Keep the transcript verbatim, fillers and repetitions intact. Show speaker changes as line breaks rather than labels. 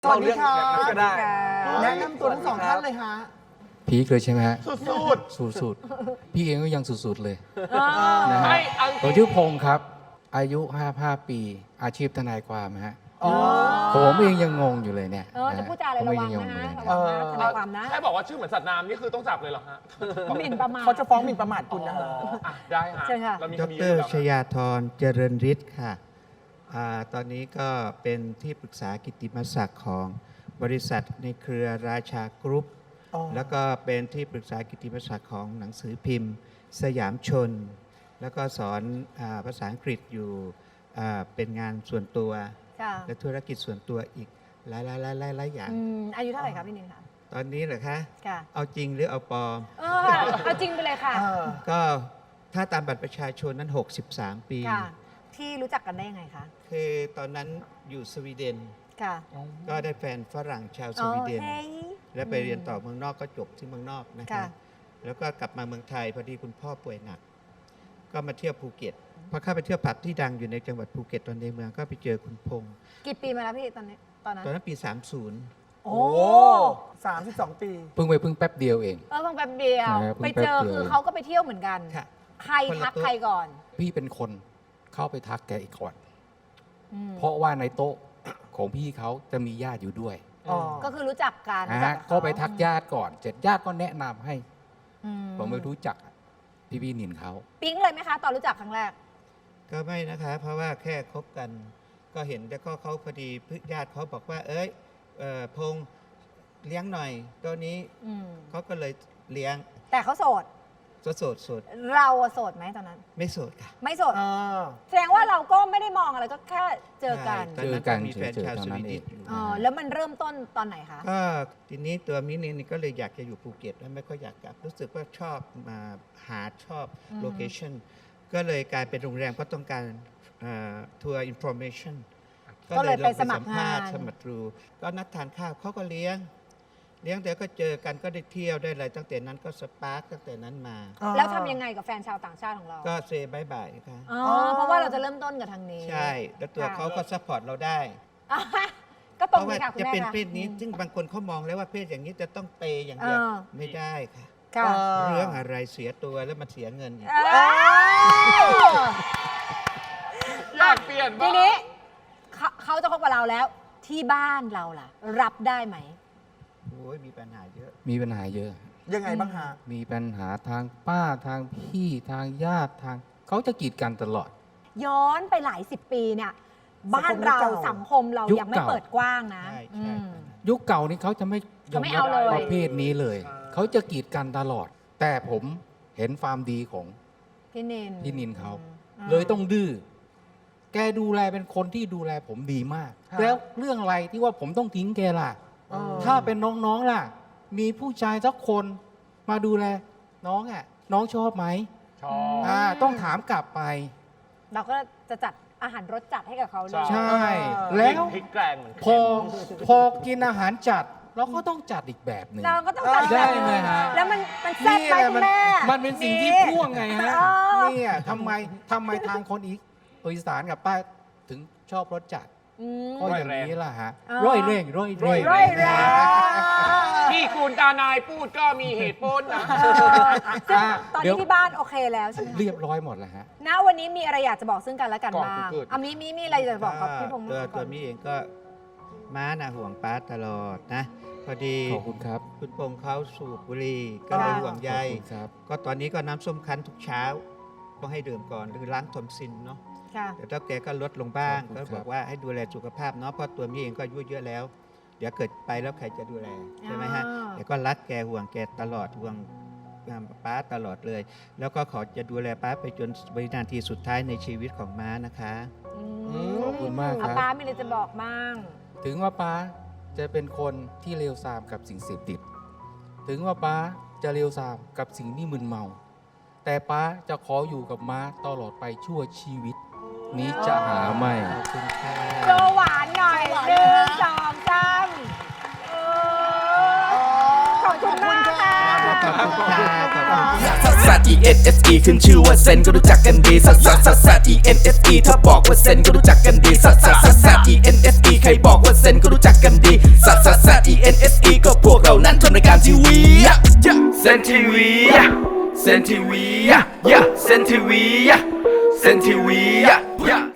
สวัสดีค่ะก็ได้แนะนำตัวทั้งสองท่านเลยฮะ
พีคเลยใช่ไหมฮะ
สุด
สุดสุดพี่เองก็ยังสุดๆเลยนะฮะ
ไม่
ผมชื่อพงศ์ครับ อายุห้าสิบห้าปีอาชีพทนายความฮะผมเองยังงงอยู่เลยเนี่ย
เออจะพูดจาอะไรระวังนะฮะระวังนะทนายความนะ
แค่บอกว่าชื่อเหมือนสัตว์น้ำนี่คือต้องจับเลยเหรอฮะ
หมิ่นประมาท
เขาจะฟ้องหมิ่นประมาทคุณนะฮะ
อ่ะได้ฮะ
เชิญค่ะ
เรามี
ด
คดี
ร
อยู่แล้ว
ชยาธรเจริญฤทธิ์ค่ะอาตอนนี้ก็เป็นที่ปรึกษากิตติมศักดิ์ของบริษัทในเครือราชากรุ๊ป
อ๋อ
แล้วก็เป็นที่ปรึกษากิตติมศักดิ์ของหนังสือพิมพ์ สยามชน แล้วก็สอนอาภาษาอังกฤษอยู่อ่าเป็นงานส่วนตัว
ค่ะ
และธุรกิจส่วนตัวอีกหลายๆหลายๆหลายๆอย่าง
อืมอายุเท่าไหร่ครับพี่นินคะ
ตอนนี้เหรอคะ
ค่ะ
เอาจริงหรือเอาปลอม
เออเอาจริงไปเลยค่ะ
เออ
ก็ถ้าตามบัตรประชาชนนั้น หกสิบสาม ปี
ค่ะ ที่รู้จักกันได้ยังไงคะ
คือตอนนั้นอยู่สวีเดน
ค่ะ
ก็ได้แฟนฝรั่งชาวส
อ๋อ
วีเดน
เฮ้ย
และไปเรียนต่อเมืองนอกก็จบที่เมืองนอกนะ
ค่ะ
คะแล้วก็กลับมาเมืองไทยพอดีคุณพ่อป่วยหนัก ก็มาเที่ยวภูเก็ตพอเข้าไปเที่ยวผับที่ดังอยู่ในจังหวัดภูเก็ตตอนในเมืองก็ไปเจอคุณพงษ์
กี่ปีมาแล้วพี่ตอนนี้ตอนนั้น
ตอนนั้นปี สามสิบ
โอ้
โอ้สามสิบสองปี
เพิ่งไปเพิ่งแป๊บเดียวเอง
เออเพิ่งแป๊บเดียว
ใช่ครับเพิ่
ไป
งแป๊บ
เจอ
เดียว
คือเขาก็ไปเที่ยวเหมือนกัน
ค่ะ
ใคร
คนละ
ทัก
โต๊ะ
ใครก่อน
พี่เป็นคนเข้าไปทักแกอีกก่อน
อืม
เพราะว่าในโต๊ะของพี่เขาจะมีญาติอยู่ด้วย
อ๋อ
ก็คือรู้จักกัน
นะ
รู้จั
ฮะ
บเขา
ก็ไปทักญาติก่อนเสร็จญาติก็แนะนำให้
อื
ผมไม่รู้จักพี่พี่นินเขา
ปิ๊งเลยไหมคะ ตอนรู้จักครั้งแรก
ก็ไม่นะคะ เพราะว่าแค่คบกัน ก็เห็นแต่ก็เขาพอดีญาติเขาบอกว่า เอ้ยเอ่อพงษ์เลี้ยงหน่อยตัวนี้
อืม
เขาก็เลยเลี้ยง
แต่เขาโสด
โสดโสดโสด
เราอะโสดไหมตอนนั้น
ไม่โสดค่ะ
ไม่โสด
เออ
แสดงว่าเราก็ไม่ได้มองอะไรก็แค่เจอกัน
ใช่ตอนนั้นก็มีแฟนชาวสวีเดนอยู่
อ๋อแล้วมันเริ่มต้นตอนไหนคะ
ก็ทีนี้ตัวมินินี่ก็เลยอยากจะอยู่ภูเก็ตแล้วไม่ค่อยอยากกลับ รู้สึกว่าชอบมาหาชอบ
อืม
โลเคชันก็เลยกลายเป็นโรงแรมก็ต้องการทัวร์อินโฟเมชัน
ก็เลยไปสมัครงาน
สมัครดูก็นัดทานข้าวเขาก็เลี้ยง เลี้ยงเดี๋ยวก็เจอกันก็ได้เที่ยวได้อะไรตั้งแต่นั้นก็สปาร์กตั้งแต่นั้นมา
แล้วทำยังไงกับแฟนชาวต่างชาติของเรา
ก็เซบายบายค่ะ
อ๋อเพราะว่าเราจะเริ่มต้นกับทางนี้
ใช่ แล้วตัว
ค่ะ
เขาก็ซัพพอร์ตเราได้
อ่ะก็ต
เพ
รง
ราะว่า
นี้ค่ะคุณ
จะ
แม่
เป็น
ค่ะ
เพศนี้ ซึ่งบางคนเขามองแล้วว่าเพศอย่างนี้จะต้องเปย์อย่างเดียว
เออ
ไม่ได้ค่ะ
ค่ะ
เรื่องอะไรเสียตัวแล้วมันเสียเงินอีก
เอ้ย
อยากเปลี่ยน
ที
บ้าง
นี้เขาเขาจะคบกับเราแล้วที่บ้านเราล่ะ รับได้ไหม
โอ้ยมีปัญหาเยอะ
มีปัญหาเยอะ
ยังไงบ้างฮะ
มีปัญหาทางป้าทางพี่ทางญาติทางเขาจะกีดกันตลอด
ย้อนไปหลายสิบปีเนี่ย บ้านเราสังคมเรา
ยุค
ยังไม่
เก่า
เปิดกว้างนะ
ใช่
อื
ใช่
ม
ยุคเก่านี้เขาจะไม่ย
เขาไม่
อมรับ
เอาเลย
ประเภทนี้เลย เขาจะกีดกันตลอด แต่ผมเห็นความดีของ
พี่นิน
พี่นินเขา
อืม
เลยต้องดื้อ แกดูแลเป็นคนที่ดูแลผมดีมาก
ครับ
แล้วเรื่องอะไรที่ว่าผมต้องทิ้งแกล่ะ
เออ
ถ้าเป็นน้องๆล่ะ มีผู้ชายสักคนมาดูแล น้องอ่ะ น้องชอบไหม
ชอบ
อ่าต้องถามกลับไป
เราก็จะจัดอาหารรสจัดให้กับเขาเลย
ใช่
เออ
แล้ว
พริกแกงเหมือน
พอพอกินอาหารจัด เราก็ต้องจัดอีกแบบหนึ่ง
เราก็ต้องจัด
ได้ไหมฮะ
แล้วมันมันแซ่บไหม
เนี่ย
คุ
มั
ณแม่
มันเป็นสิ่งที่พ่วงไงฮะ
เออ
เนี่ยทำไมทำไมทางคนอีอีสานกับใต้ถึงชอบรสจัด
อืม
ก็อย่างนี้ล่ะฮะ
อ๋อ
ร่อยเร่งร่อยเร่ง
ร่อยแรง
ที่คุณตานายพูดก็มีเหตุผลนะ
ซึ่ง
อ่ะ
ตอน
เดี๋
นี้
ยว
ที่บ้านโอเคแล้วใช่ไหมคะ
เรียบร้อยหมดแล้วฮะ
ณวันนี้มีอะไรอยากจะบอกซึ่งกันและกัน
ก่อน
บ้าง
เกิด
อ่ะมีมีมีอะไรอยากจะบอกกับพี่พงษ์
ตัว
บ้าง
ตัวมีเองก็ม้านะห่วงป้าตลอดนะ พอดี
ขอบคุณครับ
คุณพงษ์เขาสูบบุหรี่ก็เลยห่วงใย
ขอบคุณครับ
ก็ตอนนี้ก็น้ำส้มคั้นทุกเช้าก็ให้ดื่มก่อนหรือล้างทอมซินเนาะ
ค่ะ
แต่ถ้าแกก็ลดลงบ้าง
ขอบคุณ
ก็
ครับ
บอกว่าให้ดูแลสุขภาพเนาะเพราะตัวมีเองก็อายุเยอะแล้ว เดี๋ยวเกิดไปแล้วใครจะดูแลใช่ไหมฮะ
อ่า
แต่ก็รักแกห่วงแกตลอดห่วงป้าตลอดเลย แล้วก็ขอจะดูแลป้าไปจนวินาทีสุดท้ายในชีวิตของม้านะคะ
อืม
ขอบคุณมากครับ
อ่ะป้ามีอะไรจะบอกมั่ง
ถึงว่าป้าจะเป็นคนที่เลวทรามกับสิ่งเสพติด ถึงว่าป้าจะเลวทรามกับสิ่งที่มึนเมา แต่ป้าจะขออยู่กับม้าตลอดไปชั่วชีวิต นี้จะหาไม่
ขอบคุณค่ะ
โจหวานหน่อยหนึ่งสองสามเออขอบคุณมากค่ะ
ขอบคุณค่ะขอบคุณค่ะ
ซักซัก E E N S E ขึ้นชื่อว่าเซนก็รู้จักกันดีซัสซัสซัสซัส E N S E ถ้าบอกว่าเซนก็รู้จักกันดีซัสซัสซัสซัส E N S E ใครบอกว่าเซนก็รู้จักกันดีซัสซัสซัส E N S E ก็พวกเรานั้นทำรายการทีวีเซนทีวีเซนทีวีเซนทีวีเซนทีวี